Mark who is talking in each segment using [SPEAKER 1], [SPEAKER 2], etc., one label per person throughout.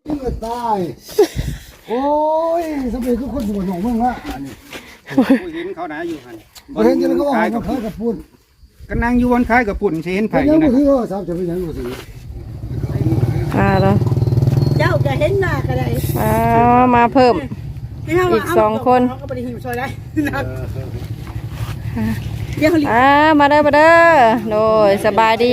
[SPEAKER 1] ตายโอ้ยสมัยก็คนหัวหนองเมืองละอันนี้
[SPEAKER 2] ผู้เห็นเขาหนาอยู่หัน
[SPEAKER 1] เห็นจะแล้วก็ว่ามันคล้ายกับปุ่น
[SPEAKER 2] ก็นั่งอยู่บนคล้ายกับปุ่นสิเห็นไผ
[SPEAKER 1] ยั
[SPEAKER 2] องยู่
[SPEAKER 1] ไม่
[SPEAKER 2] นะ
[SPEAKER 1] ถือว่าสามจะเป็นยังไงสิ
[SPEAKER 3] แล้ว
[SPEAKER 4] เจ้าจะเห็นหน้าก็ได้
[SPEAKER 3] มาเพิ่มอีก2 คน
[SPEAKER 4] เขาก็ไปหิวซอยได้เดี๋ยวเขา
[SPEAKER 3] มาเด้อโดยสบายดี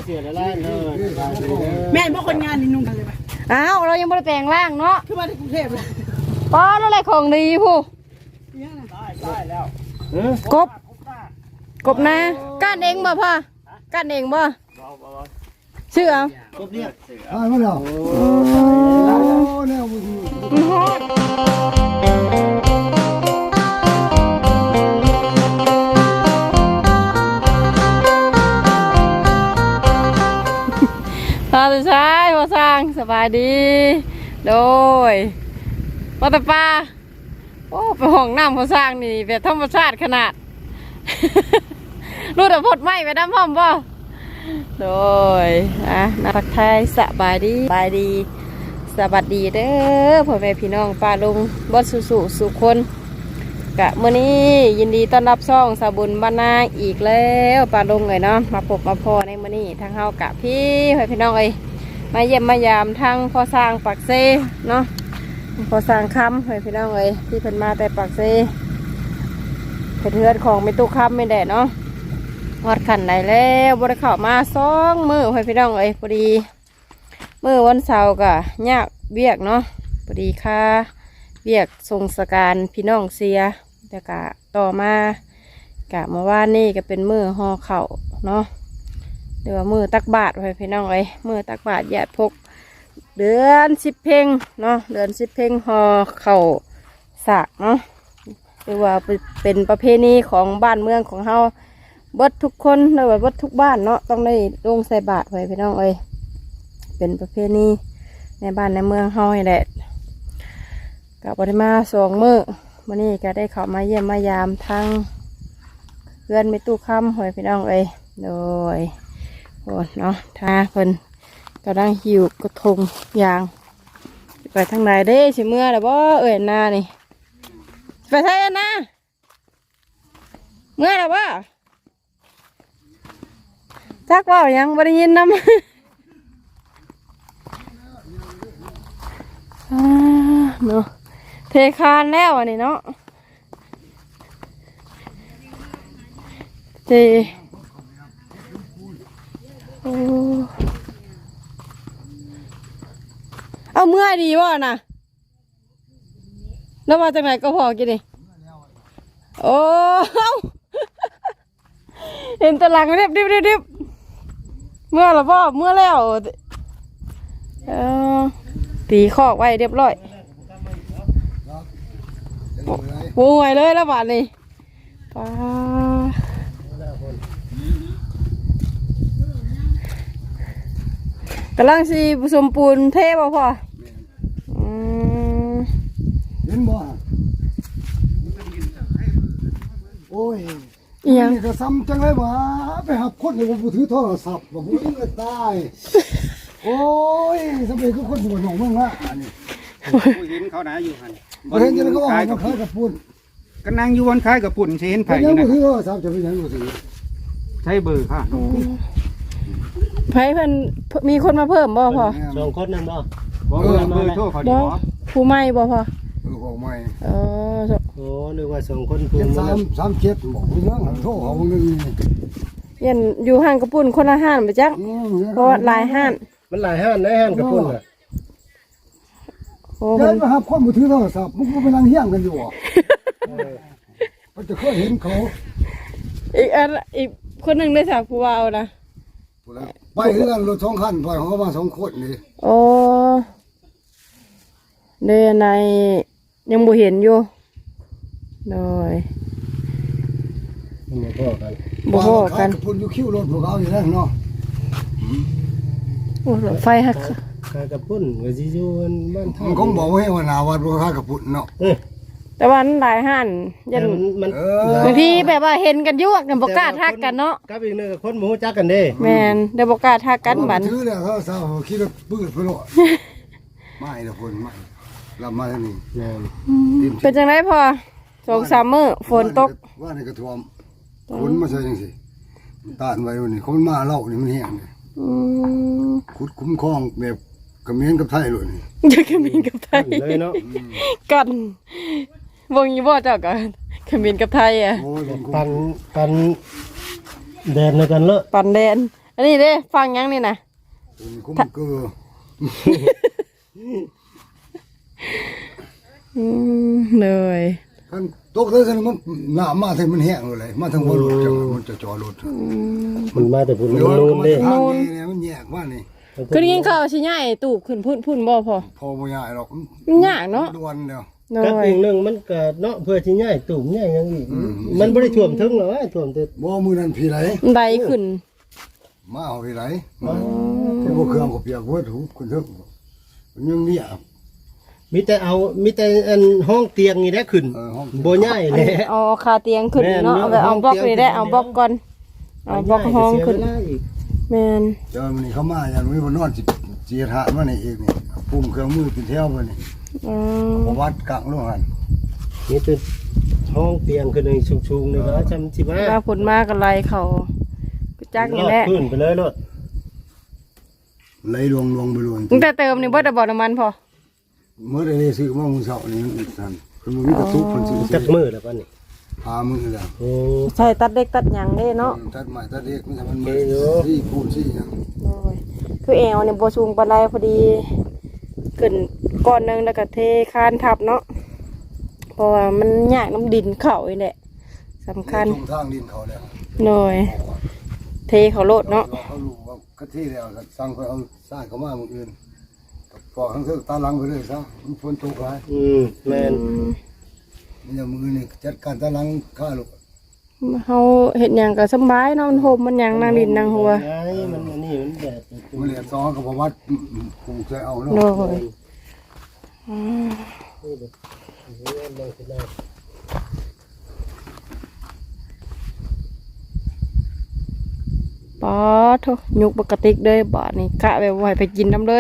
[SPEAKER 4] แม่บอกคนงานนี่นุ่งกันเลยปะ
[SPEAKER 3] อ้าวเรายังไม่ได้แปลงร่างเนาะ
[SPEAKER 4] คือมาที่กรุงเทพเลย
[SPEAKER 3] ป้อนอะไรของดีผู้กบนะก้านเองบ่พ่อก้านเองบ่ชื่อเอา
[SPEAKER 1] ตายมาแล้วโอ้เนี่ย
[SPEAKER 3] มันฮอดสุดท้ายพ่อสร้างสบายดีโดยพ่อตาป้าโอ้ไปห้องน้ำพ่อสร้างนี่แบบธรรมชาติขนาดรู้แต่พดไหมไปน้ำพร้อมป่ะโดยนักไทยสบายดีสบายดีสวัสดีเด้อพ่อแม่พี่น้องป้าลุงบดสุคนกะมื้อนี้ยินดีต้อนรับช่องสาบุญบ้านนาอีกแล้วป้าลุงเลยเนาะมาพบมาพอในมื้อนี้ทางเฮากะพี่พ่อพี่น้องเอ้ยมาเยี่ยมมายามทางพ่อสร้างปากเซเนาะพ่อสร้างคำพ่อพี่น้องเอ้ยที่เพิ่นมาแต่ปากเซเพื่อนของไม่ตู้คำไม่แดดเนาะฮอดขันไหนแล้วบริเข้ามา2 มื้อพ่อพี่น้องเอ้ยพอดีมื้อวันเสาร์กะยากเวียกเนาะพอดีค่ะเวียกทรงสการพี่น้องเสียแต่กะต่อมากะเมื่อวานนี่ก็เป็นมื้อห่อเข่าเนาะเดี๋ยวมื้อตักบาตรพี่น้องเอ้ยมื้อตักบาตรญาติพกเดือน10 เพ็งเนาะเดือน10 เพ็งห่อเข่าสากเนาะหรือว่าเป็นประเพณีของบ้านเมืองของเฮาเบิดทุกคนหรือว่าเบิดทุกบ้านเนาะต้องได้ลงใส่บาตรพี่น้องเอ้ยเป็นประเพณีในบ้านในเมืองเฮาให้แหละกับปริมา2 มื้อวันนี้ก็ได้เข้ามาเยี่ยมมายามทางเพื่อนไม่ตู้คำหอยพี่น้องเอ้ยโดยโอ้เนาะท่าเพิ่นกำลังหิวกระทงยางไปทางไหนเด้สิเมื่อแล้วบ่เอ้ยนานี่ไปไทยนะเมื่อแล้วบ่จักว่ายังบ่ได้ยินนำเนาะเทคานแล้วอันนี้เนาะเทเอาเมื่อดีวะน่ะแล้วมาจากไหนก็พอกินดิโอ้เห็นตะลังเรียบเมื่อหรอพ่อเมื่อแล้วตีคอกไว้เรียบร้อยปูไว้เลยแล้วบาดนี้ป้ากำลังสีผสมปูนเทบ่พ่อ
[SPEAKER 1] เห็นบ่โอ้ยนี่ก็ซ้ำจังเลยว่าไปหับคนในผมถือโทรศัพท์บอกว่าจะตายโอ้ยสมัยก็คนหัวหนองเมืองละอันนี้
[SPEAKER 2] ผู้เห็นเขาหนาอยู่หัน
[SPEAKER 1] เห็นจะแล้วก็ว่ามันคล้ายกับปุ่น
[SPEAKER 2] ก็นั่งอยู่บนคล้ายกับปุ่นสิเห็นไผอ
[SPEAKER 1] ยั
[SPEAKER 2] ยู่นะ
[SPEAKER 1] ไม่ถือว่าสามจะเป็นยังไงสิ
[SPEAKER 2] ใช้เบอร์ค่ะ
[SPEAKER 3] ไผเพิ่นมีคนมาเพิ่มบ่พ่อ
[SPEAKER 5] 2 คนนั่นบ่
[SPEAKER 2] เบอร์โทรเขาดีบ่
[SPEAKER 3] ผู้ใหม่บ่พ่อ
[SPEAKER 1] ของใหม่
[SPEAKER 5] โอ้นึกว่า2 คน
[SPEAKER 1] คือ37บอกเรื่องโทรเขาหนึ่ง
[SPEAKER 3] เย็นอยู่ห้างกระปุ่นคนละห้านไปจักเพราะหลายห้าน
[SPEAKER 5] มันหลายห้านได้ห้านกระปุ่นอ่ะ
[SPEAKER 3] โอ้
[SPEAKER 1] เดินมาหาข้อมือถือโทรศัพท์มึงก็ไปนั่งเฮี้ยงกันอยู่อ่ะมันจะเคยเห็นเขา
[SPEAKER 3] อีกคนหนึ่งได้จากผู้ว่าเอานะ
[SPEAKER 1] ไปเรื่องรถ2 คันไปของเขามา2 คนนี่
[SPEAKER 3] โอ้เดินในยังบ่เห็นอยู่โดย
[SPEAKER 1] บ่พอกันพุ่นอยู่คิวรถพวกเขาอยู่นั่นเนาะ
[SPEAKER 3] โอ้รถไฟฮัก
[SPEAKER 5] คากระปุ่นก็สิอยู่บ้านท่า
[SPEAKER 1] มันคงบอกให้ว่าหน้าวัดบ่ค่ากระปุ่นเนาะ
[SPEAKER 3] แต่ว่าหลายห้านยันบางทีแบบว่าเห็นกันยุ่งกันบ่กล้าทักกันเนาะ
[SPEAKER 5] กับอีกนึงคนบ่ฮู้จักกันเด้
[SPEAKER 3] แม่นได้บ่กล้าทักกันบัด
[SPEAKER 1] ถือแล้วเขาคิดว่าปื้ดไปโลดไม่ละคนไม่รับมาแล้วนี่
[SPEAKER 5] แม่น
[SPEAKER 3] เป็นจังไดพอ2-3 มื้อฝนตก
[SPEAKER 1] ว่าในกระท่อมคนมาใส่จังซี่ตานไว้วันนี้คนมาเล่านี่มันแห้งนี่
[SPEAKER 3] อืม
[SPEAKER 1] ขุดคุ้มครองแบบกระเมียนกับไทยเลยนี่
[SPEAKER 3] จะขมิ้นกับไทย
[SPEAKER 5] เลยเนาะ
[SPEAKER 3] กันวงอยู่บ่เจ้ากันขมิ้นกับไทยอ่ะ
[SPEAKER 1] โอ้ยมันคุ้ม
[SPEAKER 5] ปันแดนในกันเลอะ
[SPEAKER 3] ปันแดนอันนี้เด้ฟังยังนี่นะ
[SPEAKER 1] คุ้มเกลือ
[SPEAKER 3] เลย
[SPEAKER 1] คันตกเลยคันมันหน้ามาถึงมันแห้งเลยมาถึงบ่รถจังมันจะจอรถ
[SPEAKER 5] มันมาแต่พุ่นมัน
[SPEAKER 1] เดี๋ยว
[SPEAKER 5] นูนเด้
[SPEAKER 1] ทางนี่มันแยกว่านี่
[SPEAKER 3] คือได้ยินข่าวสิย้ายตูบขึ้นพุ่นบ่พอ
[SPEAKER 1] พอบ่ยากหรอก
[SPEAKER 3] มันยากเนาะ
[SPEAKER 1] ด่วนเดียว
[SPEAKER 3] เล
[SPEAKER 5] กับ
[SPEAKER 3] ย
[SPEAKER 5] อีกหนึงมันก็เนาะเพื่อสิย้ายตุ่มย้ายหยังอีกมันบ่ได้ท่วมถึงหรอกท่วมแต่
[SPEAKER 1] บ่มือนั้นพี่ไหล
[SPEAKER 3] ไดขึ้น
[SPEAKER 1] มาเอาพี่ไหลที่บ่เครื่องก็เปียกเบิดหูคนเถิงมันยังเนี่ย
[SPEAKER 5] มีแต่อันห้องเตียงนี่แหละขึ้น
[SPEAKER 1] ห้อง
[SPEAKER 5] บ่ย้ายแหละ
[SPEAKER 3] เอาคาเตียงขึ้นเนาะเอาไปเอาบล็อกนี่ได้เอาบล็อกก่อนเอาบล็อกห้องขึ้น
[SPEAKER 5] เสียเวลาอีก
[SPEAKER 3] แม่น
[SPEAKER 1] เจ้ามันนี่เขามาอย่างนี้บ่นอนสิเจียทานมานี่เองนี่ปุ่มเครื่องมือเป็นแถวบ่นี่
[SPEAKER 3] อืม
[SPEAKER 1] บ่วัดกลางโรงหัน
[SPEAKER 5] นี่เป็นห้องเตียงขึ้นในชุงๆนี่ก็จำสิมา
[SPEAKER 3] ว่าผลมาก็ไล่เขาก็จักนี่แหละ
[SPEAKER 5] ขึ้นไปเลยรถ
[SPEAKER 1] ไหลลวงไปลวง
[SPEAKER 3] ตั้งแต่เติมนี่บ่ได้บ่น้ำมันพอ
[SPEAKER 1] เมื่อได้ซื้อมามื้อเช้านี่สั่นเพิ่นบ่มีกระตุกเพิ่นซื้อ
[SPEAKER 5] จักมือแล้วป่ะนี่
[SPEAKER 1] พามื้อแล้ว
[SPEAKER 5] โอ้
[SPEAKER 3] ใช่ตัดเล็กตัดหยังเด้เนาะ
[SPEAKER 1] ตัดไม้ตัดเล็กมันจะมัน
[SPEAKER 5] โอ
[SPEAKER 1] มื
[SPEAKER 5] เคอยู่
[SPEAKER 1] ที่พูดที่หยัง
[SPEAKER 3] โอ้ยคือแอวนี่บ่สูงปานใดพอดีขึ้นก้อนหนึงแล้วก็เทคานทับเนาะเพราะว่ามันยากน้ำดินเข้านี่แหละสำคัญ
[SPEAKER 1] ตรงทางดินเขาแล้ว
[SPEAKER 3] หน่อยเทเขาโลดเนาะ
[SPEAKER 1] เขารู้ว่ากะทิแล้วก็สั่งไปเอาสร้างเขามามื้ออื่นก็ทั้งเทือกตาหลังไปเลยซะมันฝนตกหลาย
[SPEAKER 5] แม่น
[SPEAKER 1] นี่จะมือนี่จัดการตาหลังข้าลูก
[SPEAKER 3] เฮาเฮ็ดหยังก็สำบายเนาะมันโฮมมันหยังนางดินนางหัว
[SPEAKER 5] ไงมันอันนี้มันแดด
[SPEAKER 1] มันเหลือซองกับวัดกูเคยเอาเนาะ
[SPEAKER 3] โน่ยป๊อดโถยุกปกติเลยบาดนี่กะแบบว่าให้ไปกินน้ำเลย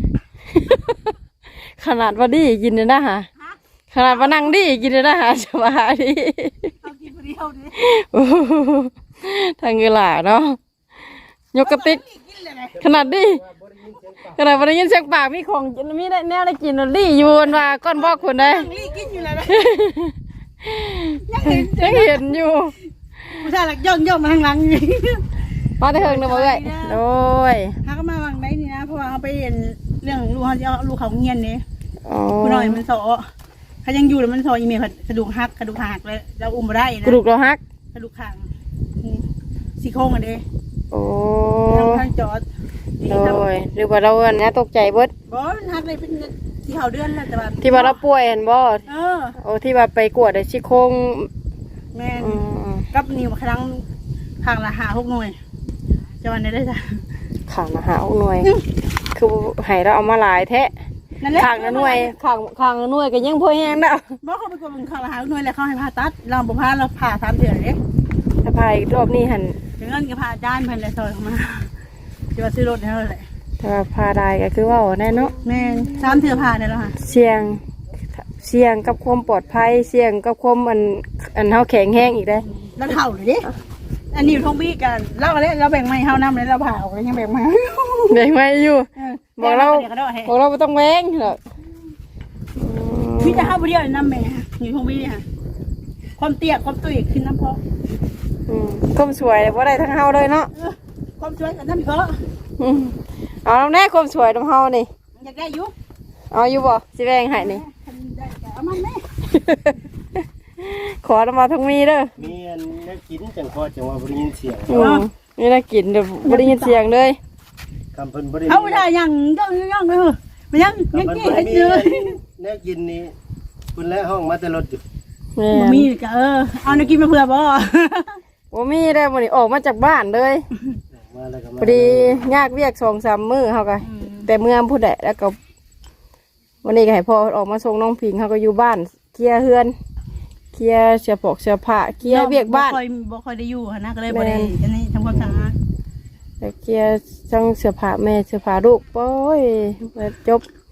[SPEAKER 3] ขนาดว่าดีกินเลยนะฮะขนาดว่านั่งดีกินเลยนะฮะสบายดี
[SPEAKER 4] เอากินคนเดียวดิ
[SPEAKER 3] โอ้โหทางเงือหล่าเนาะยกกระติก
[SPEAKER 4] กินเลยไง
[SPEAKER 3] ขนาดดีขนาดวันนี้ยินเสียงปากมีของมีได้แนวได้กินดีอยู่บนว่าก้อนบอกคนได้
[SPEAKER 4] นั่งรีกินอยู่เลยนะยังเห็น
[SPEAKER 3] ยังเห็นอยู่
[SPEAKER 4] ผู้ชายหลักย่องมาทางหลังอยู่
[SPEAKER 3] มาแต่เฮิงนะบ่เอ้ยโอ้ย
[SPEAKER 4] เขาก็มาวางได้นี่นะเพราะว่าเขาไปเรียนเรื่องลูกเขาจะเอาลูกเขาเงียนนี่
[SPEAKER 3] อ๋อ
[SPEAKER 4] ผู้น้อยมันสอเขายังอยู่แล้วมันสออีเมลกระดูกหักกระดูกหักเลยเราอุ้มมาได้นะ
[SPEAKER 3] กระดูกเราหัก
[SPEAKER 4] กระดูกข้างซี่โครงอันเด้
[SPEAKER 3] โอ้
[SPEAKER 4] ทางจอด
[SPEAKER 3] โอ้ยหรือว่าเราอันนี้ตกใจเบิด
[SPEAKER 4] บ่มันหักเลยเป็นที่เขาเดือนแล้วแต่ว่า
[SPEAKER 3] ที่ว่าเราป่วยเห็นบ่
[SPEAKER 4] เออ
[SPEAKER 3] โอ้ที่ว่าไปกวดไอ้ซี่โครง
[SPEAKER 4] แม่น
[SPEAKER 3] อืม
[SPEAKER 4] กับนิ้วครั้งข้างละ5-6หน่วยจะวันนี้ได้จ้ะ
[SPEAKER 3] ข้างละหาหน่วย คือให้เราเอามาหลายแท้
[SPEAKER 4] นั่นแหละ
[SPEAKER 3] ข้างละหน่วยข้างละหน่วยก็ยังพอแห้งแล้ว
[SPEAKER 4] บ่เขาไปกดเป็นข้างละ5หน่วยแล้วเขาให้ผ่าตัดเราบ่ผ่าเราผ่า3เดือนเด้
[SPEAKER 3] ถ้าพายรอบนี้หัน
[SPEAKER 4] ถึงเงินก็ผ่าจานเพิ่นเลยซอยเข้ามาจะว่าซื้อรถให้เท่าไหร่
[SPEAKER 3] ถ้าว่าพาได้ก็คือว่าแน่เนาะ
[SPEAKER 4] แม่น3เทื่อผ่าได้แล้วค่ะ
[SPEAKER 3] เสี่ยงกับความปลอดภัยเสี่ยงกับความอันเฮาแข็งแห้งอีกได้
[SPEAKER 4] แล้วเท่าเลยดิอันนี้อยู่ทงบี้กันเราก็เลยเราแบ่งไม้เฮานำเลยเราผ่าออกแล้วยังแบ่งไม้
[SPEAKER 3] แบ่งไว้อยู่ บอกเรา
[SPEAKER 4] ดี๋ยวก็ได้ให้
[SPEAKER 3] บอกเราบ่ต้องแว้งหรอก
[SPEAKER 4] พี่จะเข้าไปเดียวน้ำแม่อยู่ทงบี้ค่ะความเตี้ยความตุ้ยขึ้นน้ำพอ
[SPEAKER 3] ความสวยบ่ได้ทั้งเฮาเลยเนาะ
[SPEAKER 4] ความช่วยกับน้ำเพาะ
[SPEAKER 3] อืมเอาน้ำแน่ความสวยน้ำเฮานี่
[SPEAKER 4] อยากได้ยุ
[SPEAKER 3] เอาอยู่บ่สิแบ่งให้นี่
[SPEAKER 4] ได้เอามันแม่
[SPEAKER 3] ขอน้ำมาทั้งมีเด้อ
[SPEAKER 5] มีอันนักกินจังพอจังว่าบ่ได้ยินเสียง
[SPEAKER 3] นี่น่ากินเดี๋ยวบ่ได้ยินเสียงเลย
[SPEAKER 5] คำเพิ่นบ่ได้
[SPEAKER 4] เขาไม่ได้ยังย่องเลยมันยัง
[SPEAKER 5] คำ
[SPEAKER 4] ยัง
[SPEAKER 5] เพิ่น
[SPEAKER 4] กี้
[SPEAKER 5] บ่ได้
[SPEAKER 4] ให้
[SPEAKER 5] มี
[SPEAKER 4] เจอ
[SPEAKER 5] นักกินนี่เพิ่นและห้องมาแต่รถอยู่
[SPEAKER 3] แม่
[SPEAKER 4] มีก็เอาในกินมาเผื่อบ่
[SPEAKER 3] บ่มีได้มื้อนี้ออกมาจากบ้านเลย
[SPEAKER 5] มาแล้วก็มา
[SPEAKER 3] พอดียากเวียก 2-3 มื้อเฮาก็แต่เมื่อผู้ใดแล้วก็วันนี้ก็ให้พ่อออกมาส่งน้องพิงเฮาก็อยู่บ้านเคลียร์เฮือนเคลียร์เสื้อผกเสื้อผ้าเคลียร์เวียกบ้าน
[SPEAKER 4] บ่ค่อยได้อยู่นะก็เลยบ่ได้อันนี้ทำความสะอาด
[SPEAKER 3] แต่เคลียร์ทั้งเสื้อผ้าแม่เสื้อผ้าลูกโอ้ยจบ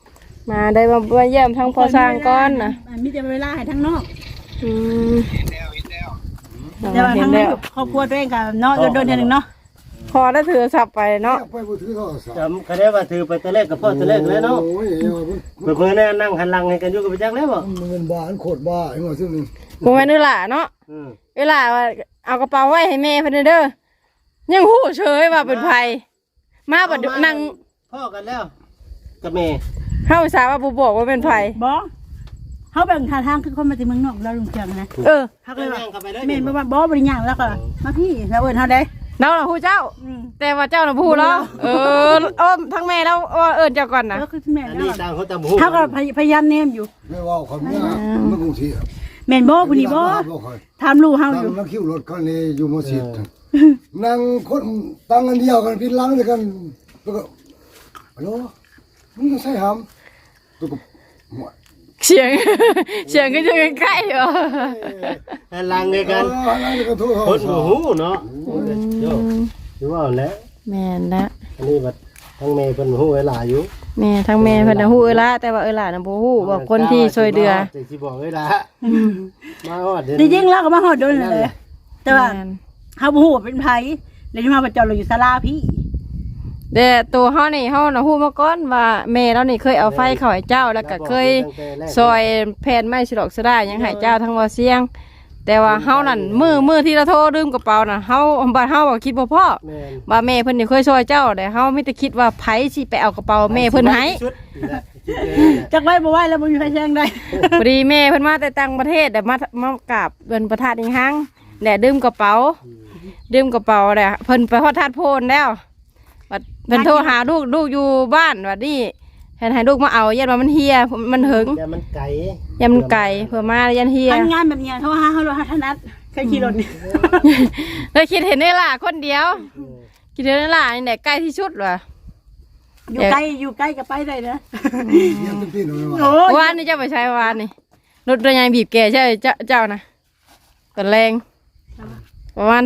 [SPEAKER 3] มาได้มาเยี่ยมทั้งพอสร้างก้อนนะ
[SPEAKER 4] มีแต่เวลาให้ทั้งนอก
[SPEAKER 3] อืม
[SPEAKER 4] แต่ว่า
[SPEAKER 3] เห็
[SPEAKER 4] ทั้
[SPEAKER 3] น
[SPEAKER 4] ง
[SPEAKER 3] แล้ว
[SPEAKER 4] ครอบครัวตัวเองกับเนาะโดนๆเดือนหนึงเนาะ
[SPEAKER 3] พอได้ถือสับไปเนาะ
[SPEAKER 1] ไปบ่ถือโทรศัพท์
[SPEAKER 5] จำคะแนนว่าถือไปตะเลกกับพ่อตะเลกแล้วเนาะ
[SPEAKER 1] โอ้ย
[SPEAKER 5] เปิดมือแน่นั่งหันหลังให้กันอยู่กับไปจักแล้วบ่
[SPEAKER 1] มันเป็นบ้าอันโคตรบ้าไอ้ว่าซึ่งนึง
[SPEAKER 3] กูแม่นเวลาเนาะ
[SPEAKER 5] อืม
[SPEAKER 3] เวลาว่าเอากระเป๋าไว้ให้แม่เพิ่นเด้อยังหู้เฉยว่าเป็นไผมาบัดนั่ง
[SPEAKER 5] พ่อกันแล้วกับแม่
[SPEAKER 3] เข้าสาว่าบ่บอกว่าเป็นไผ
[SPEAKER 4] บ่เขาแบ่งทางคือคนมาจากเมืองนอกเราลุงเชียงนะ
[SPEAKER 3] เออ
[SPEAKER 4] เขาเลยว่า
[SPEAKER 5] นั่งเข้าไปเลย
[SPEAKER 4] เมนบ่ว่าบ่บริญญาแล้วก็มาพี่แล้วเอิ้นเฮาได้
[SPEAKER 3] เราน่ะฮู้เจ้า แต่ว่าเจ้าน่ะบ่ฮู้แล้วเออทั้งแม่แล้วเอิ้นเจ้าก่อนนะ
[SPEAKER 4] แล้วคือแม่
[SPEAKER 5] อัน
[SPEAKER 4] แล้
[SPEAKER 5] นี้
[SPEAKER 4] ว
[SPEAKER 5] ต่างคนต่างหู
[SPEAKER 4] เขาก็พยายามแนมอยู่
[SPEAKER 1] ไม่ว่าคนเนี้ยมันคงเสีย
[SPEAKER 4] แม่นบ่ผู้นี้บ่ถามลูกเฮาอ
[SPEAKER 1] ตั้ง
[SPEAKER 4] ยู่
[SPEAKER 1] นักคิวรถคันนี้อยู่มอสิดนั่งคนตั้งกันเดียวกันพินหลังด้วยกันแล้วก็ฮัลโหลมึงจะใส่หำแล้วก็หมด
[SPEAKER 3] เสียง เสียงก็จะใกล้ๆเหรอ
[SPEAKER 5] หันหลังให้กัน
[SPEAKER 1] นั่งกันโทร
[SPEAKER 5] คนบ่หูเนาะโยถือว่าแล้ว
[SPEAKER 3] แม่นละ
[SPEAKER 5] อันนี้บัดทั้งแม่เพิ่นหูเวลาอยู่
[SPEAKER 3] แม่ทั้งแม่เพิ่นน่ะฮู้เอ้ละแต่ว่าเอ้ละน่ะบ่ฮู้ว่าคนที่ช่วยเดือ
[SPEAKER 5] แต่สิบอกเวลามาฮอดเดี๋ยว
[SPEAKER 4] จริงๆแล้วก็มาฮอดโดนนั่นแหละแต่ว่า
[SPEAKER 3] แม่น
[SPEAKER 4] เฮาบ่ฮู้ว่าเป็นไผเลยมาประจอดเราอยู่ศาลาพี่
[SPEAKER 3] แต่ตัวเฮานี่เฮาน่ะฮู้มาก่อนว่าแม่เรานี่เคยเอาไฟเข้าให้เจ้าแล้วก็เคยซอยแผ่นไม้ฉลอกสะได้หยังให้เจ้าทั้งว่าเสียง แต่ว่าเฮานั่นมือที่เราโทรลืมกระเป๋าน่ะเฮาบ่เฮาบ่คิดบ่พอ
[SPEAKER 5] แม่น
[SPEAKER 3] ว่าแม่เพิ่นนี่เคยช่วยเจ้าแต่เฮามีแต่คิดว่าไผสิไปเอากระเป๋าแม่เพิ่นให้
[SPEAKER 5] ชุดนี่แหละคิดอย่างนั้นแหละ
[SPEAKER 4] จักไว้บ่ไว้แล้วบ่มีไผแจ้งได้
[SPEAKER 3] พอดีแม่เพิ่นมาแต่ต่างประเทศแต่มากราบเพิ่นประทานอีกครั้งแต่ดื่มกระเป๋าแหละเพิ่นไปฮอดธาตุโพนแล้วบัดเพิ่นโทรหาลูกอยู่บ้านบัดนี้แทนให้ลูกมาเอายันว่ามันเฮียมันหึง
[SPEAKER 5] อย่ามันไก่
[SPEAKER 3] ยันมันไก่เพื่อมายันเฮีย
[SPEAKER 4] ทำงานแบบเนี้ยโทรหาเฮาโลหะถนัดเคยขี่รถนี่
[SPEAKER 3] เลยคิดเห็นได้ล่ะคนเดียวคิดเห็นได้ล่ะนี่แหละใกล้ที่สุดว่ะ
[SPEAKER 4] อยู่ใกล้ก็ไปได้นะ
[SPEAKER 1] เยี่ยมพี่หน่อยว่า
[SPEAKER 4] โอ้ยว
[SPEAKER 3] านนี่เจ้าไปใช้วานนี่รถระยางบีบแกใช่เจ้านะตอนแรงประมาณ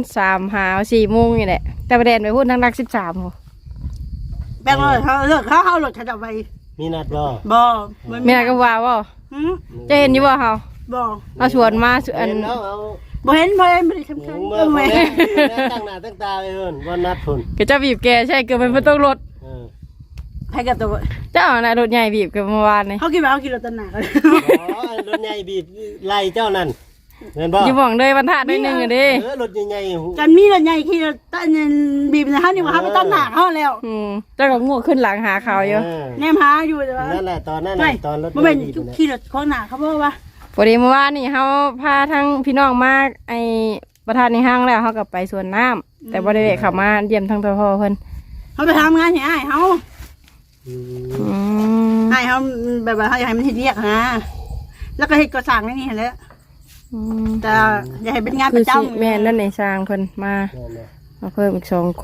[SPEAKER 3] 3-4 โมงนี่แหละแต่ประเด็นไปพูดนัก13โห
[SPEAKER 4] แบ่งเลยเขาเลิกเขารถเขาจะไป
[SPEAKER 5] มีนัดบ่
[SPEAKER 4] บ่
[SPEAKER 3] มีอะไรก็ว่าว่า
[SPEAKER 4] หืม
[SPEAKER 3] จะเห็นอยู่ว่าเขา
[SPEAKER 4] บ่
[SPEAKER 3] เราชวนมาชวน
[SPEAKER 5] เห็นแล้วเอา
[SPEAKER 4] บ่เห็นบ่ได้ทำ
[SPEAKER 5] หมู
[SPEAKER 4] คัญ
[SPEAKER 5] เมื่
[SPEAKER 4] เอ
[SPEAKER 5] อ
[SPEAKER 4] อ
[SPEAKER 5] คน
[SPEAKER 4] แม่
[SPEAKER 5] นี้ตั้งหน้าตั้งตาเลยเพิ่นว่านัดพุ่น
[SPEAKER 3] ก็จะบีบแกใช่เกิดเป็นประตูรถ
[SPEAKER 5] เออ
[SPEAKER 4] ใครกับตัว
[SPEAKER 3] เจ้าน่ะรถใหญ่บีบกันเมื่อวานนี่
[SPEAKER 4] เขาคิดว่าเขาขี่รถตันหนากัน
[SPEAKER 5] อ๋อรถใหญ่บีบไล่เจ้านั่นเห็นบ่
[SPEAKER 3] อยู่หม่องเลยบรรทัดได้หนึงอ่ะเดิ
[SPEAKER 5] รถใหญ่ๆหู
[SPEAKER 4] กันมีรถใหญ่ขี่รถตันบีบนะเขานี่ว่าเขาไปตันหนาเขาแล้ว
[SPEAKER 3] เจ้าก็งูขึ้นหลังหาเขาอยู่
[SPEAKER 4] แนมหาอยู่แต่ว่า
[SPEAKER 5] นั่นแหละตอนนั้น
[SPEAKER 4] ไม่
[SPEAKER 5] น่ะตอนรถ
[SPEAKER 4] บ่เป็น
[SPEAKER 5] บีบน่ะ
[SPEAKER 4] ขี่รถข้างหน้าเขาบอกว่า
[SPEAKER 3] พอดีเมื่อวานนี่เขาพาทั้งพี่น้องมาไอประธานในห้างแล้วเขากลับไปสวนน้ำแต่บ่ได้แวะเข้ามาเยี่ยมทั้งพ่อเพิ่น
[SPEAKER 4] เขาไปทำงานให้อ้ายเขา
[SPEAKER 5] อืม
[SPEAKER 3] อืม
[SPEAKER 4] อ้ายเขาแบบว่าเขาอยากให้มันเฮ็ดเรียกนะแล้วก็เฮ็ดก่อสร้างนี่แหละ
[SPEAKER 3] อืม
[SPEAKER 4] แต่อย่าให้เป็นงาน
[SPEAKER 3] คื
[SPEAKER 4] ป
[SPEAKER 3] อ
[SPEAKER 4] ระ
[SPEAKER 3] สิ
[SPEAKER 4] จำ
[SPEAKER 3] แม่นั่นในสร้างเพิ่นมา
[SPEAKER 5] นั่นแหละ
[SPEAKER 3] มาเพิ่มอีก2 คน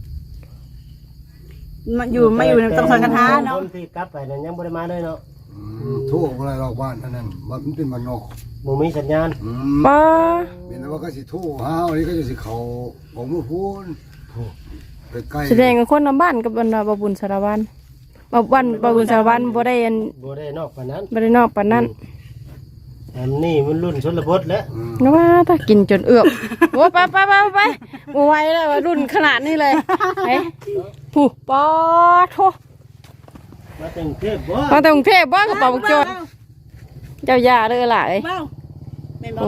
[SPEAKER 4] มันอยู่ไม่อยู่ต้องสังฆทานเนาะ
[SPEAKER 5] คนที่กลับไปนั่นยังบ่ได้มาเลยเนาะ
[SPEAKER 1] โทั่วอะไรรอบบ้านนั่นนั่นมันเป็นบ้านนอก
[SPEAKER 5] บ่มีสัญญาณ
[SPEAKER 3] ป้า
[SPEAKER 1] เป็นว่าก็สิโทั่วห้าวนี่ก็จะสิเขาของมือพูนไปใกล้
[SPEAKER 3] แสดงกับคนนำบ้านกับบรรดาบบุญสารวัตรบบุญสารวัตรบ่ได้อัน
[SPEAKER 5] บ่ได้นอกปานนั้น
[SPEAKER 3] บ่ได้นอกปานนั้น
[SPEAKER 5] อันนี้มันรุ่นชนบทแล้ว
[SPEAKER 3] นะว่าถ้ากินจนเอือบโอ้ไปบ่ไหวแล้วว่ารุ่นขนาดนี้เลยไปผู้ปอโท
[SPEAKER 5] มาถึงเทพบ่
[SPEAKER 3] มาแต่กรุงเทพบ้านกระเป๋าบุกโจรเจ้ายาเด้อล่ะเอ้ย
[SPEAKER 4] เบ้าแม่นบ่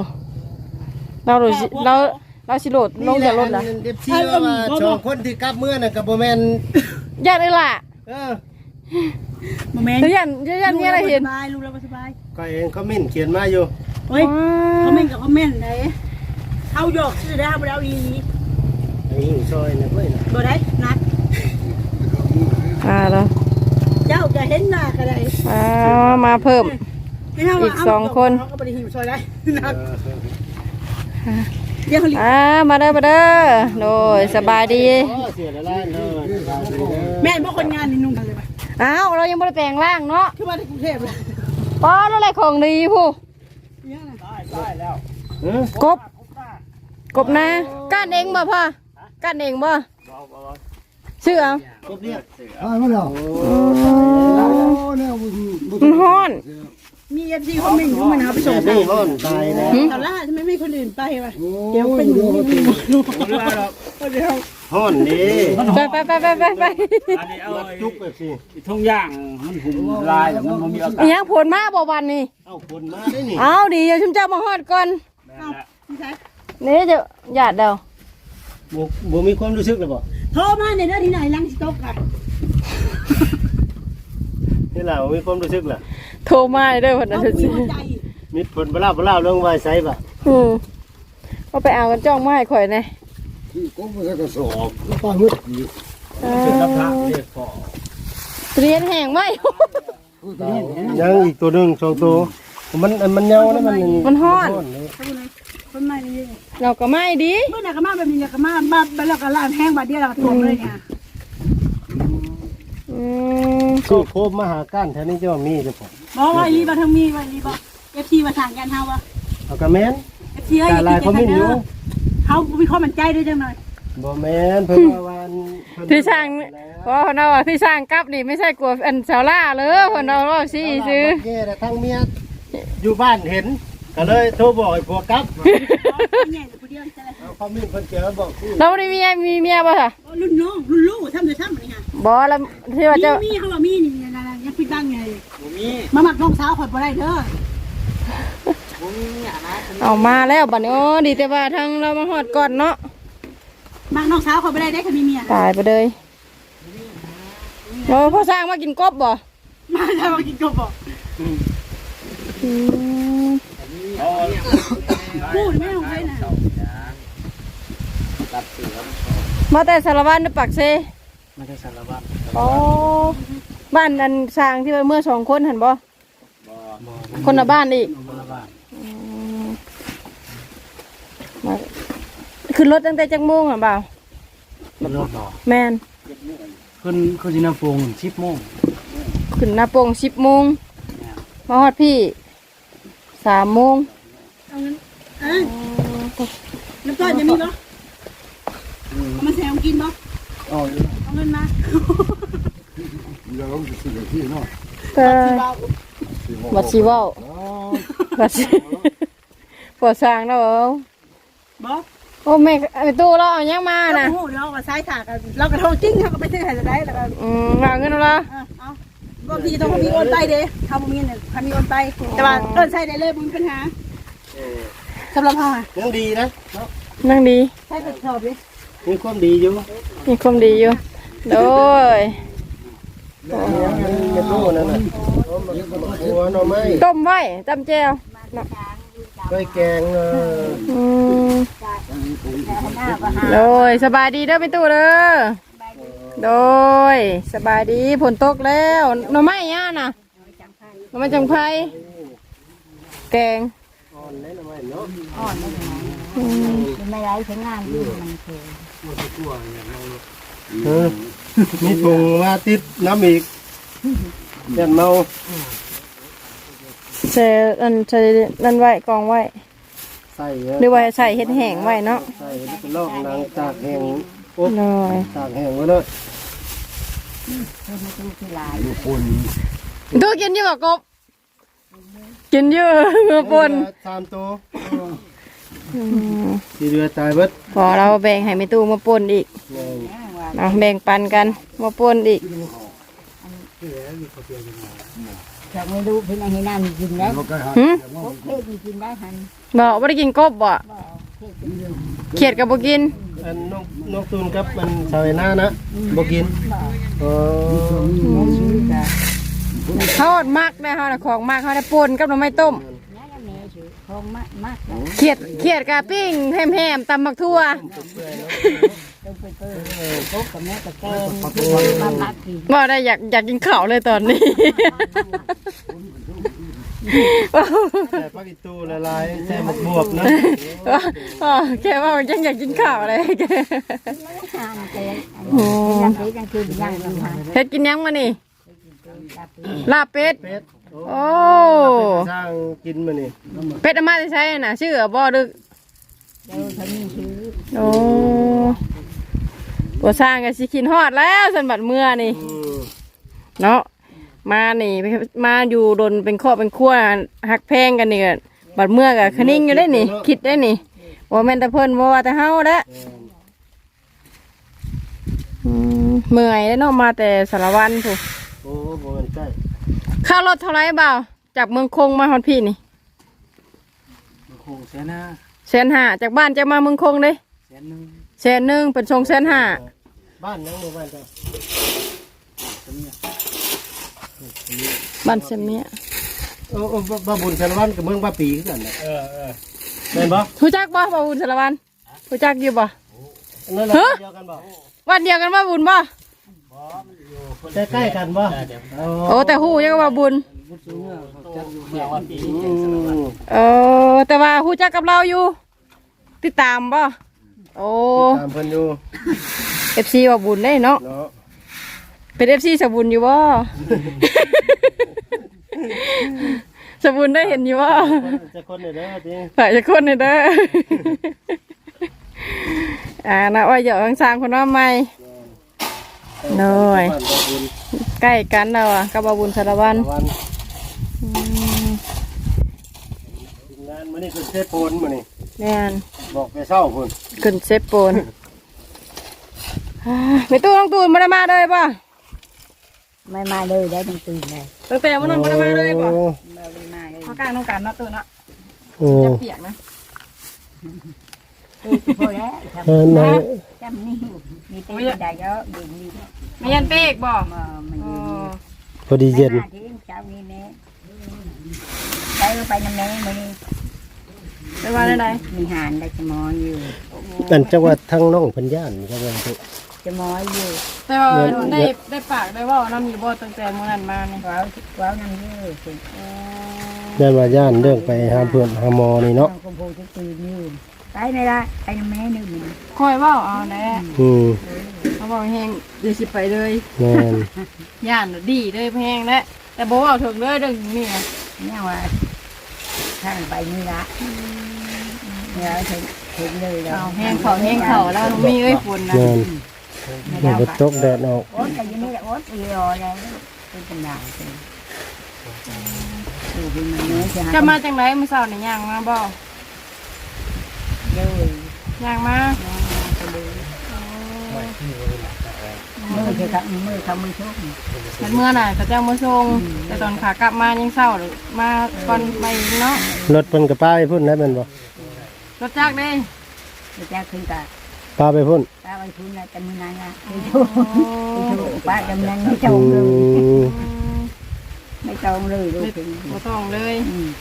[SPEAKER 3] เราสิโหลดลงจากรถล่ะ
[SPEAKER 5] เอฟซีว่าสองคนที่กลับเมื่อน่ะก็บ่แม่น
[SPEAKER 3] ญาติเด้อล่ะ
[SPEAKER 5] เออ
[SPEAKER 4] บ่แม่น
[SPEAKER 3] เดี๋ยวญาติมีอะไรเห็น
[SPEAKER 4] สบายลูกเราบ่สบาย
[SPEAKER 5] ก็เองคอมเมนต์เขียนมาอยู่
[SPEAKER 4] เฮ้ยคอมเมนต์กับคอมเมนต์ไหนเอาหยอกชื่อได้บ่ได้เอาอีนี้
[SPEAKER 5] ไอ้หิ้งซอยน่ะเว้ยน่ะ
[SPEAKER 4] บ่ได้นัด
[SPEAKER 3] แล้ว
[SPEAKER 4] เจ้าจะเห็นหน้าก็ได้
[SPEAKER 3] มาเพิ่ม
[SPEAKER 4] ให้เฮา
[SPEAKER 3] อีก2 คน
[SPEAKER 4] เขาก็บ่ได้หิวซอยได้นัดเดี๋ยวเขาลิ
[SPEAKER 3] มาเด้อโดยสบายดี
[SPEAKER 5] อ๋อเสียละล้านเด้อสบายดีเด้อ
[SPEAKER 4] แม่นบ่คนงานนี่นุ่งกันเลยป่ะ
[SPEAKER 3] อ้าวเรายังไม่ได้แปลงร่างเนาะ
[SPEAKER 4] คือว่าที่กรุงเทพเลย
[SPEAKER 3] ป้อนอะไรของดีผู้
[SPEAKER 4] เนี่ยนะ
[SPEAKER 5] เออก
[SPEAKER 3] บนะก้านเองบ่พ่อก้านเองบ่ชื่อเอา
[SPEAKER 5] ครบเรียก
[SPEAKER 1] มาแล้วเนี่ย
[SPEAKER 3] มันฮ้อน
[SPEAKER 4] มีเอฟซีคอมเมนต์อยู่มันเอาไปส่ง
[SPEAKER 5] แต่นี่ร้อนตายแล้ว
[SPEAKER 4] ตอนแรกทำไมไม่คนอื่นไปวะ
[SPEAKER 1] เดี๋ยวเป็น
[SPEAKER 4] เดี๋ยว
[SPEAKER 5] ร้อนนี่
[SPEAKER 3] ไป
[SPEAKER 6] อันนี้เอา
[SPEAKER 5] จุกแบบสิ
[SPEAKER 6] ทุ่งย่างมันหุ่มลายแล้วมันมีอากาศ
[SPEAKER 3] อีหยังผลมาบ่วันนี้
[SPEAKER 5] เอาคนมาได้นี่
[SPEAKER 3] เอาดีเดี๋ยวชุมเจ้ามาฮอดก่อน
[SPEAKER 4] พี่ชาย
[SPEAKER 3] นี่จะหยาดเดา
[SPEAKER 5] บ่มีความรู้สึกเลยบ่
[SPEAKER 4] โทรมาในเรื่องที่ไหนลังสต๊อกอะ
[SPEAKER 5] นี่ล่ะบ่มีความรู้สึกล่ะ
[SPEAKER 3] โทรมาเด้อเพิ่น
[SPEAKER 4] เอา
[SPEAKER 3] น่ะ
[SPEAKER 4] คุยหัวใจ
[SPEAKER 5] มีผลบ่เล่าเรื่องไว้ไสบ่
[SPEAKER 3] ก็ไปเอากันจ้องมาให้ข่อยแน่
[SPEAKER 1] ก็ไม่ใช่กระสอบป้ามืดอีก
[SPEAKER 6] เป็นรับพระเรียกพ่อ
[SPEAKER 3] เรียนแห้งไหม
[SPEAKER 5] ยังอีกตัวหนึง2ตัวมันเหงานะมัน
[SPEAKER 3] ฮ้อน
[SPEAKER 5] เลย
[SPEAKER 4] คนใหม่นี่
[SPEAKER 3] เราก็ไม่ดี
[SPEAKER 4] เมื่อไหร่ก็มาแบบนี้ก็มาบ้านแล้วก็ร้านแห้งบาดเดียวเราก็ตัวเลยเนี่ย
[SPEAKER 5] สู้โคบมาหาก้านแถวนี้จะว่ามีจะพอ
[SPEAKER 4] บอกว่าอีบ่ทั้งมีว่าอีบ่เอฟซีมาสั่งกันเฮาว่า
[SPEAKER 5] เอากระแมน
[SPEAKER 4] เอฟซีเอ้ย
[SPEAKER 5] แต่ลายเขาไม่อยู่
[SPEAKER 4] เฮามีความมั่นใจด้วยจังหน่อย
[SPEAKER 5] บ่แมนเพิ่นว่าวันเพิ่น
[SPEAKER 3] พี่ช่างเพราะเขาว่าพี่ช่างกลับนี่ไม่ใช่กลัวอันสาวล่าเลยเพิ่นเอาว่าสิซื้อ
[SPEAKER 5] แย่แต่ทั้งเมียอยู่บ้านเห็นก็เลยโทรบอกให้ผัวกลับ
[SPEAKER 4] ใหญ่ผู้เดียวใช่ไหม
[SPEAKER 5] เอาความมีเพิ่นเจอบอกคือ
[SPEAKER 3] เราได้มีเมียป่ะค่ะ
[SPEAKER 4] รุ่นน้องรุ่นลูกทำเลยทำนี่ฮะ
[SPEAKER 3] บ่แล้วที่ว่าจะ
[SPEAKER 4] มีเขาว่ามีนี่นะยังปิดบังไง
[SPEAKER 6] ผมมี
[SPEAKER 4] มาหมักน้องสาวข่อยบ่ได้เด้อ
[SPEAKER 3] เอามาแล้วบัดนี้โอ้ดีแต่ว่าทางเรามาฮอดก่อนเนาะ
[SPEAKER 4] หมักน้องสาวข่อยบ่ได้ได้ค่ะมีเมีย
[SPEAKER 3] ตายไปเลยโอ้พ่อสร้างมากินกบบ่
[SPEAKER 4] มาได้มากินกบบ่พูดไม่ต้องไปนะ
[SPEAKER 3] มาแต่สารวัตรในปากเซ
[SPEAKER 6] ไม่ได้สารวัตร
[SPEAKER 3] อ๋อบ้านอันสร้างที่ว่าเมื่อ2 คนหันบ่คนละบ้านอีกมาขึ้นรถตั้งแต่จักโมงอ่ะบ่าว
[SPEAKER 6] มันรถต่อ
[SPEAKER 3] แม่น
[SPEAKER 6] ขึ้นที่น้ำโป่ง10 โมง
[SPEAKER 3] ขึ้นหน้าโป่ง10 โมงมาฮอดพี่3 โมง
[SPEAKER 4] เอาเงินน้ำต้นจะมีบ่เอามาแซมกินบ่เอาเงินมา
[SPEAKER 1] เดี๋ยวเราจะซื้อที่เนาะ
[SPEAKER 3] ก็บัดสิเว้าบัดสิพอสร้างแล้วเอา
[SPEAKER 4] บ่
[SPEAKER 3] โอ้แม่ไอ้ตู้เราเอายังมาน่ะ
[SPEAKER 4] โอ้โหเราก็ซ้ายถากเราก็โทรจริงเขาก็ไปซื้อให้ได้แล้วก็
[SPEAKER 3] เอาเงินเอาละ
[SPEAKER 4] เอาบางทีต้องมีโอนไปเด้ทำมีเนี่ยทำมีโอนไปแต่ว่าเอิ้นใช้ได้เลยบ่มีปัญหาสำหรับเฮาอ่ะ
[SPEAKER 5] ยังดีนะ
[SPEAKER 3] นั่งดี
[SPEAKER 4] ใช้กระสอบดิ
[SPEAKER 5] มีความดีอยู่
[SPEAKER 3] มีความดีอยู่โดย
[SPEAKER 5] เฮ็ดโลนั่นน่ะหัวหน่อไม้
[SPEAKER 3] ต้มไว้จำแจว
[SPEAKER 5] ไว้แกง
[SPEAKER 3] โดยสบายดีเด้อพี่ตู้เด้อโดยสบายดีฝนตกแล้วหน่อไม้ย่าน่ะหน่อไม้จังไพแกง
[SPEAKER 5] อ่อนเลยหน่อไม้เนาะ
[SPEAKER 7] ไม่ได้ใช้งานอยู่มันคือ
[SPEAKER 5] มีถุงมาติดน้ำอีกยันเมา
[SPEAKER 3] ใส่อันใส่นั่นไว้กองไว้
[SPEAKER 5] ใส่
[SPEAKER 3] หรือว่าใส่เห็ดแห้งไว้เนาะ
[SPEAKER 5] ใส่ลอกนางตากแห้งอบ
[SPEAKER 3] โดย
[SPEAKER 5] ตากแห้งไว้เลย
[SPEAKER 3] ตู้กินอยู่บ่กบกินอยู่เมื่อปน
[SPEAKER 5] 3 ตัวที่เรือตายเบิด
[SPEAKER 3] พอเราแบ่งให้แม่ตู้มาปนอีกเอาแบ่งปันกันมาปนอีก
[SPEAKER 7] จะไม่รู้พี่นายให้น้ำกินได้
[SPEAKER 1] เราก็หา
[SPEAKER 3] หึ
[SPEAKER 7] พวกเพศกินได้ทัน
[SPEAKER 3] บอกว่าได้กินกบบ่เขียดกับบ่กิน
[SPEAKER 5] อันนกตูนกับมันชาวนานะบ่กินเออ
[SPEAKER 3] ทอดมักได้เฮาน่ะของมักเฮาได้ปนกับหน่อไม้ต้ม
[SPEAKER 7] น้าแม่ชื่อคงมาก
[SPEAKER 3] เขียดกะปิ้งแฮมๆตำบักทั่ว
[SPEAKER 7] ต้องไปพวกกับแม่กับแกมากกิน
[SPEAKER 3] บ่ได้อยากกินข้าวเลยตอนนี้
[SPEAKER 5] แต่พักอีตูละลายใส่หมกบวบนะ
[SPEAKER 3] อ๋อแค่ว่ายังอยากกินข้าวอะไรแก
[SPEAKER 7] ทานแกยังตียังคืนยังทาน
[SPEAKER 3] เฮ็ดกินยังมานี่ลาบเป็ด
[SPEAKER 5] เป็ด
[SPEAKER 3] โอ้
[SPEAKER 5] สร้างกินมานี่
[SPEAKER 3] เป็ดอามาจะใช้น่ะชื่อบ่ดึก
[SPEAKER 7] เดี๋ยวฉันมีชื่อ
[SPEAKER 3] โอ้บ่สร้างก็สิกินฮอดแล้วสันบัดเมื่อนี่เนาะมานี่มาอยู่ดนเป็นครอบเป็นครัวหักแพงกันนี่ก็บัดเมื่อก็คะนิ่งอยู่ได้นี่ คิดได้นี่ว่าแม่นแต่เพิ่นบ่ว่าแต่เฮาเด้อเมื่อยแล้วเนาะมาแต่สารวันพุ
[SPEAKER 5] โอ้บ่แม่นใกล้
[SPEAKER 3] ค่ารถเท่าไหร่บ่าวจากเมืองคงมาฮอดพี่นี่
[SPEAKER 6] มันคงเสียหน้า
[SPEAKER 3] 150,000จากบ้านจะมาเมืองคงเด้ 100,000เป็น250,000
[SPEAKER 5] บ้านยังบ่บ้านจ้ะ
[SPEAKER 3] บ้านเสมีย
[SPEAKER 5] โอ้บ้าบุญชาละวันกับเมืองบ้าปีคือกันน่ะแม่นบ่
[SPEAKER 3] รู้จักบ่บ่าวบุญสารวันรู้จักอยู่บ่
[SPEAKER 5] นั่นแหละเดียวกันบ่
[SPEAKER 3] วันเดียวกันบ่บุญบ่
[SPEAKER 5] ใกล้ๆกันบ่
[SPEAKER 3] โอ้แต่ฮู้ยังว่าบุญ แต่ว่าฮู้จักกับเราอยู่ติดตามบ่โอ้
[SPEAKER 5] ตามเพิ่นอยู่
[SPEAKER 3] FC ว่าบุญได้เนาะ
[SPEAKER 5] เนาะ
[SPEAKER 3] เป็น FC สบุญอยู่บ่ สบุญได้เห็นอยู่บ่
[SPEAKER 5] จะคนนี่เด้อติ
[SPEAKER 3] ฝ่ายจะคนนี่เด้อนะว่าอย่าสร้างคนว่าใหม่น้อย
[SPEAKER 5] บ้านบ้าบุญ
[SPEAKER 3] ใกล้กันแล้วอ่ะกับบ่าวบุญสารวัน
[SPEAKER 5] วันทีมงานมื้อนี้คือเซฟโปนมื้อนี้
[SPEAKER 3] แม่น
[SPEAKER 5] บอกไปเช้าพุ่น
[SPEAKER 3] ขึ้นเซฟโปนไม่ตู้ต้องตูนมาได้มาเลยป่ะ
[SPEAKER 7] ไม่มาเลยได้ตั้งตื่นเลย
[SPEAKER 3] ตั้งแต่วันนั้นมาได้มาเลยป่ะ
[SPEAKER 7] ไม่ได้มาเลย
[SPEAKER 3] เขากลางต้องการนะตูนนะ
[SPEAKER 5] โอ้
[SPEAKER 3] จะเปียกนะ
[SPEAKER 7] พอแล้วท
[SPEAKER 5] ไหน
[SPEAKER 7] ำจำนี่มีเต้ได้เยอะอยู่นี่
[SPEAKER 3] ไม่ยันเปีกบ่
[SPEAKER 7] มันอยู่
[SPEAKER 5] พอดีเย็น
[SPEAKER 7] ที่เช้านี้แม่ไปไปน้ำแม่มานี่
[SPEAKER 3] ไปว่าได้ไหน
[SPEAKER 7] มีหานได้จะมออยู่
[SPEAKER 5] อันจังหวัดทางน้องเพิ่นย่านจังหวัดพุ
[SPEAKER 7] จะมออยู่
[SPEAKER 3] แต่ว่าได้ปากได้ว่าน้ำมีบ่ตั้งแต่มื้อนั้นมาเนี่ย
[SPEAKER 7] ว้าวนั่นอยู่สิ
[SPEAKER 5] ย่านว่าย่านเรื่องไปหาเพื่อนหาหมอนี่เนาะ
[SPEAKER 7] กำพูจะตื่นอยู่ไปไม่ได้ไปน้ำแม่นึงมัน
[SPEAKER 3] คอยว่าเอาแน่
[SPEAKER 5] อืม
[SPEAKER 3] เขาบอกแห้งเดี๋ยวสิไปเลย
[SPEAKER 5] แม่น
[SPEAKER 3] ย่านดีเลยแพงแล้วแต่บ่เอาถึงเลยเรื่องนี้
[SPEAKER 7] เนี่ยว่าทางไปนี่ละเนี่ยถึงเลยแล้ว
[SPEAKER 3] เอาแห้งเขาแล้วมีเอ้ยฝนนะ
[SPEAKER 5] แม่นมันบ่ตกแดดออก
[SPEAKER 7] โอ๊ตแต่ยังไม่ได้โอ๊ตอีรอเลยเป็นปัญหาเลยดูเป็นมันเนื้อจะ
[SPEAKER 3] จะมาจังไรมื้อเช้านี่ย่างมาบ่
[SPEAKER 7] เลย
[SPEAKER 3] ย่างมา
[SPEAKER 7] มือจะทำมือทำมือชก
[SPEAKER 3] มันเมื่อน่ะเขาเจ้ามาส่งแต่ตอนขากลับมายังเศร้าหรือมาก่อนไปอีกเนาะ
[SPEAKER 5] รถเพิ่นก็ป้าไปพุ่นแล้วแม่นบ่
[SPEAKER 3] รถจักรเด้
[SPEAKER 7] จะขึ้นตา
[SPEAKER 5] ป้าไปพุ่น
[SPEAKER 7] ตาไปทุนแล้วแต่มือนั้นนะไม่ชกป้าจำนั้นไม่จ
[SPEAKER 5] อื
[SPEAKER 7] งเลย
[SPEAKER 5] ม
[SPEAKER 7] ไม่จงเลยดูถึง
[SPEAKER 3] บ่ต้องเลย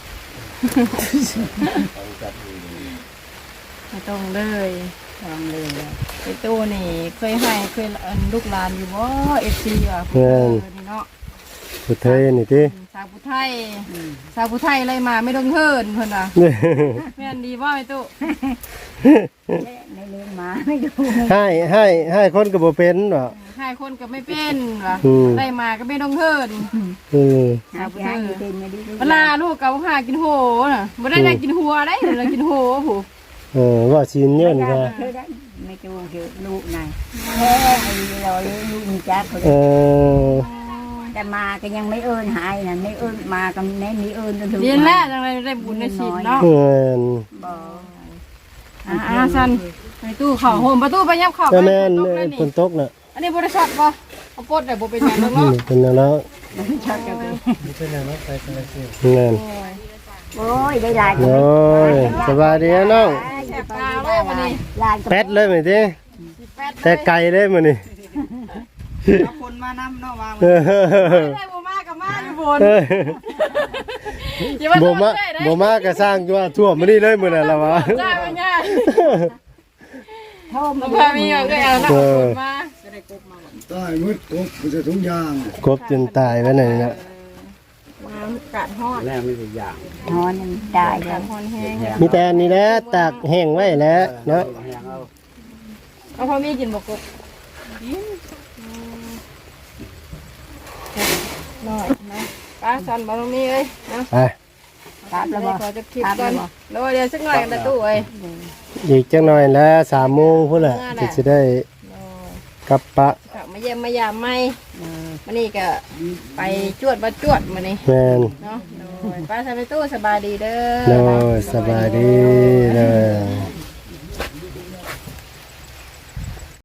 [SPEAKER 3] ไม่ต้องเลย
[SPEAKER 7] จงเลย
[SPEAKER 3] ไอ้ตู้นี่เคยให้เคยลูกหลานอยู่บ่ FC อ่ะนี่เนาะ
[SPEAKER 5] ผู้เทยนี่ติ
[SPEAKER 3] สาวผู้ไทยสาวผู้ไทยอะไรมาไม่ต้องเฮินเพิ่นน่ะแม่นดีบ่ไอ้ตู้
[SPEAKER 7] ในเลี้ยงมาไม่ดู
[SPEAKER 5] ให้คนก็บ่เป็นบ่
[SPEAKER 3] ให้คนก็ไม่เป็นว่ะ
[SPEAKER 5] อืม
[SPEAKER 3] ได้มาก็ไม่ต้องเฮิน
[SPEAKER 7] หาที่ให้เต็มไม่ดี
[SPEAKER 3] เวลาลูกกับหากินโหน่ะบ่ได้กินหัวได้เรากินโหผู้
[SPEAKER 5] ว่าชินเยินก็
[SPEAKER 7] ไม่จูงคือลูกนายแค่ไอ้เราเลี้ยงลูกมีจักคน แต่มาก็ยังไม่เอิ้นหายนะไม่เอิ้นมาก็แน่มีเอิ้นจนถึง
[SPEAKER 3] เรียนแล้วจังไรได้บุญได้ศีลเนาะ
[SPEAKER 5] เงิน
[SPEAKER 7] บ่
[SPEAKER 3] สันไปตู้เข้าโฮมประตูไปยับเข้า
[SPEAKER 5] ก็แม่น
[SPEAKER 3] ตกเลย
[SPEAKER 5] ฝนตกน่ะ
[SPEAKER 3] อันนี้บริษัทบ่เอาปลดได้บ่เป็นหยังเนาะ
[SPEAKER 5] เป็นแล้ว
[SPEAKER 7] ชอบจะไป
[SPEAKER 5] เงิน
[SPEAKER 7] โอ้ยได้หลาย
[SPEAKER 5] โอ้ยสบายดีนะน้อง
[SPEAKER 3] แสบตาไว้วันนี้
[SPEAKER 7] หลาย
[SPEAKER 5] แป๊ดเลยมื้อนี้แต่ไกลเลยมื้อนี้
[SPEAKER 2] เอาคนมานำเนาะวาง
[SPEAKER 3] ได้บ่มากับมาอยู่บน
[SPEAKER 5] บ่มาก็สร้างว่าทั่วมื้อนี้เลยมื้อนั้นล่ะวะ
[SPEAKER 3] จ้าเป็นง่าย
[SPEAKER 7] โทษ
[SPEAKER 3] บ่พามีก็เอาหน้าคนมา
[SPEAKER 1] ตายมืดตกมันจะทุกอย่าง
[SPEAKER 5] กบจนตายแล้วนี่นะ
[SPEAKER 3] น้ำกัดฮอด
[SPEAKER 2] แม่ไม่ได้อย่าง
[SPEAKER 7] นอนได้แล้
[SPEAKER 3] กั
[SPEAKER 7] ว
[SPEAKER 3] ดฮอนแห้ง
[SPEAKER 5] มีแต่อันนี้แหละตากแห้งไว้แล้วเนาะ
[SPEAKER 3] เอาพอมีกินบ่กบน้อยนะป้าสันบ่ต้องมีเอ้ยเนาะ
[SPEAKER 5] ไป
[SPEAKER 7] ครับแล้วบ่
[SPEAKER 3] ขอจะคลิปก่อนเดี๋ยวสักหน่อยกันนะตู้เอ้ย
[SPEAKER 5] อีกจังหน่อยแล้ว3 โมงพุ่นแหละที่จะได้กลับปะ
[SPEAKER 3] กลับมาเยี่ยมมายามใหม่วันนี้ก็ไปจวดมาจวดมานี่
[SPEAKER 5] แม่น
[SPEAKER 3] เนาะโดยป้าสบายตู้สบายดีเด้อ
[SPEAKER 5] โดยสบายดีเด้อ